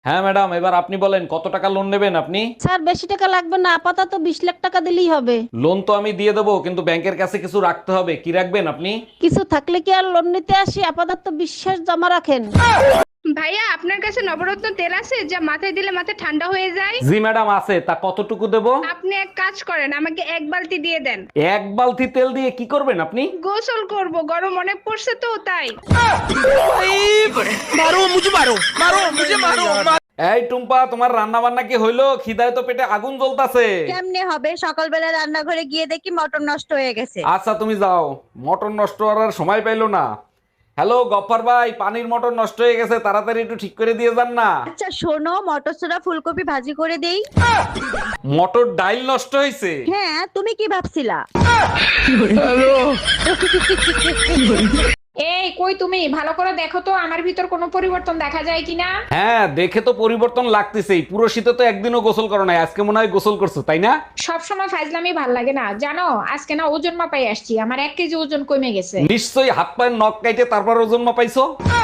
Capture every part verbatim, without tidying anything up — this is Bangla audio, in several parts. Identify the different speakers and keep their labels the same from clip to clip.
Speaker 1: হ্যাঁ ম্যাডাম, এবার আপনি বলেন কত টাকা লোন নেবেন আপনি?
Speaker 2: স্যার বেশি টাকা লাগবে না, আপাতত বিশ লাখ টাকা দিলেই হবে।
Speaker 1: লোন তো আমি দিয়ে দেবো, কিন্তু ব্যাংকের কাছে কিছু রাখতে হবে। কি রাখবেন আপনি?
Speaker 2: কিছু থাকলে কি আর লোন নিতে আসি? আপাতত বিশ্বাস জমা রাখেন।
Speaker 3: ভাইয়া আপনার কাছে নবরত্ন তেল আছে যা মাথায় দিলে মাথা ঠান্ডা হয়ে যায়?
Speaker 1: জি ম্যাডাম আছে, তা কতটুকু দেবো?
Speaker 3: আপনি এক কাজ করেন, আমাকে এক বালতি দিয়ে দেন।
Speaker 1: এক বালতি তেল দিয়ে কি করবেন আপনি?
Speaker 3: গোসল করব, গরম অনেক পড়ছে তো তাই।
Speaker 1: এই টুম্পা, তোমার রান্না বান্না কি হইলো? খিদায় তো পেটে আগুন জ্বলতাছে।
Speaker 4: কেমনে হবে? সকালবেলা রান্নাঘরে গিয়ে দেখি মটর নষ্ট হয়ে গেছে।
Speaker 1: আচ্ছা তুমি যাও, মটর নষ্ট করার সময় পাইলো না। হ্যালো গফফার ভাই, পানির মটর নষ্ট হয়ে গেছে, তাড়াতাড়ি একটু ঠিক করে দিয়ে যান না।
Speaker 4: আচ্ছা শোনো, মটর সোডা ফুলকপি ভাজি করে দেই।
Speaker 1: মটর ডাইল নষ্ট হয়েছে।
Speaker 4: হ্যাঁ, তুমি কি ভাবছিলা?
Speaker 5: এই কই তুমি, ভালো করে দেখো তো আমার ভিতর কোনো পরিবর্তন দেখা যায় কিনা।
Speaker 1: হ্যাঁ, দেখে তো পরিবর্তন লাগতেছেই। পুরো শীতে তো একদিনও গোসল করো নাই, আজকে মনে হয় গোসল করছো তাই না?
Speaker 5: সব সময় ফাইজলামি ভাল লাগে না জানো। আজকে না ওজন মাপাই আসছি, আমার এক কেজি ওজন কমে গেছে।
Speaker 1: নিশ্চয়ই হাত পায়ের নখ কাইটে তারপর ওজন মাপাইছো।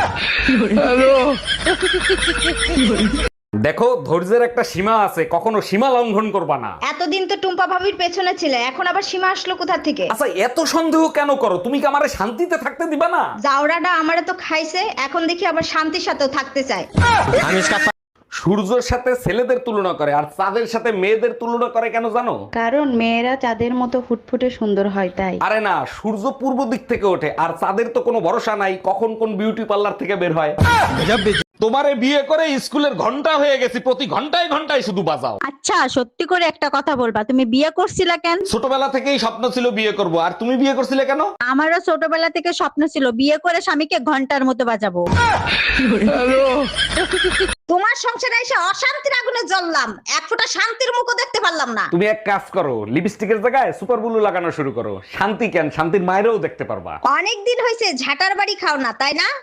Speaker 1: দেখো, ধৈর্যের একটা সীমা আছে, কখনো সীমা লঙ্ঘন করবা না।
Speaker 4: এতদিন তো টুম্পা ভাবির পেছনে ছিলে, এখন আবার সীমা আসলো কোথা থেকে?
Speaker 1: আচ্ছা এত সন্দেহ কেন করো? তুমি কি আমারে শান্তিতে থাকতে দিবা না?
Speaker 4: জাউরাটা আমারে তো খাইছে, এখন দেখি আবার শান্তির সাথেও থাকতে চায়।
Speaker 1: সূর্যের সাথে ছেলেদের তুলনা করে আর চাঁদের সাথে মেয়েদের তুলনা করে কেন জানো?
Speaker 6: কারণ মেয়েরা চাঁদের মতো ফুটফুটে সুন্দর হয় তাই।
Speaker 1: আরে না, সূর্য পূর্ব দিক থেকে ওঠে আর চাঁদের তো কোনো ভরসা নাই কখন কোন বিউটি পার্লার থেকে বের হয়। তোমারে বিয়ে করে স্কুলের ঘন্টা হয়ে গেছি, প্রতি ঘন্টায় ঘন্টায় শুধু বাজাও।
Speaker 4: আচ্ছা সত্যি করে একটা কথা বলবা, তুমি বিয়ে করছিলা কেন?
Speaker 1: ছোটবেলা থেকেই স্বপ্ন ছিল বিয়ে করব, আর তুমি বিয়ে করছিলে কেন?
Speaker 4: আমারও ছোটবেলা থেকে স্বপ্ন ছিল বিয়ে করে স্বামীকে ঘন্টার মতো বাজাবো। তোমার সংসারে এসে অশান্তির আগুনে জ্বললাম, এক ফোঁটা শান্তির মুখও দেখতে পারলাম না।
Speaker 1: তুমি এক কাজ করো, লিপস্টিকের জায়গায় সুপার ব্লু লাগানো শুরু করো। শান্তি কেন, শান্তির মায়েরও দেখতে পারবা।
Speaker 4: অনেক দিন হয়েছে ঝাটার বাড়ি খাও না, তাই না?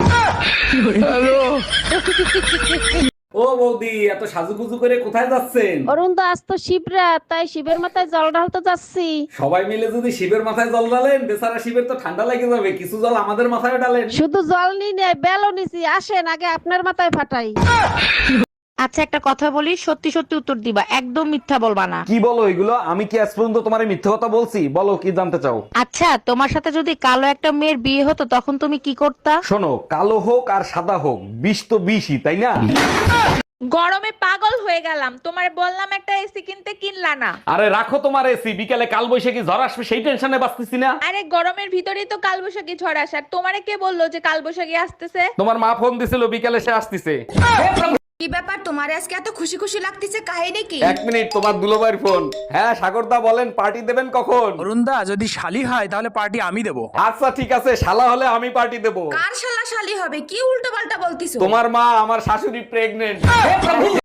Speaker 1: ও বৌদি, এত সাজুগুজু করে কোথায় যাচ্ছেন?
Speaker 2: অরুণ দা, আজ তো শিবরাত, তাই শিবের মাথায় জল ঢালতে যাচ্ছি।
Speaker 1: সবাই মিলে যদি শিবের মাথায় জল ঢালেন, বেচারা শিবের তো ঠান্ডা লেগে যাবে, কিছু জল আমাদের মাথায় ঢালেন।
Speaker 2: শুধু জল নি নেই, বেলও নিছি। আসেন আগে আপনার মাথায় ফাটাই।
Speaker 7: আচ্ছা একটা কথা বলি, সত্যি সত্যি উত্তর দিবা, একদম মিথ্যা বলবা না।
Speaker 1: কি বলো এগুলো? আমি কি আজ পর্যন্ত তোমার মিথ্যে কথা বলছি? বলো কি জানতে চাও?
Speaker 7: আচ্ছা তোমার সাথে যদি কালো একটা মেয়ের বিয়ে হতো তখন তুমি কি করতা?
Speaker 1: শোনো, কালো হোক আর সাদা হোক, বিষ তো বিষই, তাই না?
Speaker 8: গরমে পাগল হয়ে গেলাম, তোমার বললাম একটা এসি কিনতে, কিনলা না।
Speaker 1: আরে রাখো তোমার এসি, বিকালে কাল বৈশাখী ঝড় আসবে সেই টেনশনে বাঁচতেছি না।
Speaker 8: আরে গরমের ভিতরেই তো কালবৈশাখী ঝড় আসার, তোমারে কে বললো যে কালবৈশাখী আসতেছে?
Speaker 1: তোমার মা ফোন দিছিল বিকালে সে আসতেছে।
Speaker 4: কি ব্যাপার তোমার আজকে এত খুশি খুশি লাগতেছে, কাহিনী কি?
Speaker 1: এক মিনিট, তোমার দুলোবাইর ফোন। হ্যাঁ সাগরদা বলেন, পার্টি দেবেন কখন?
Speaker 9: অরুণদা যদি শালি হয় তাহলে পার্টি আমি দেবো।
Speaker 1: আচ্ছা ঠিক আছে, শালা হলে আমি পার্টি দেবো।
Speaker 4: কার শালা শালি হবে? কি উল্টো পাল্টা বলতিছো?
Speaker 1: তোমার মা, আমার শাশুড়ি প্রেগনেন্ট।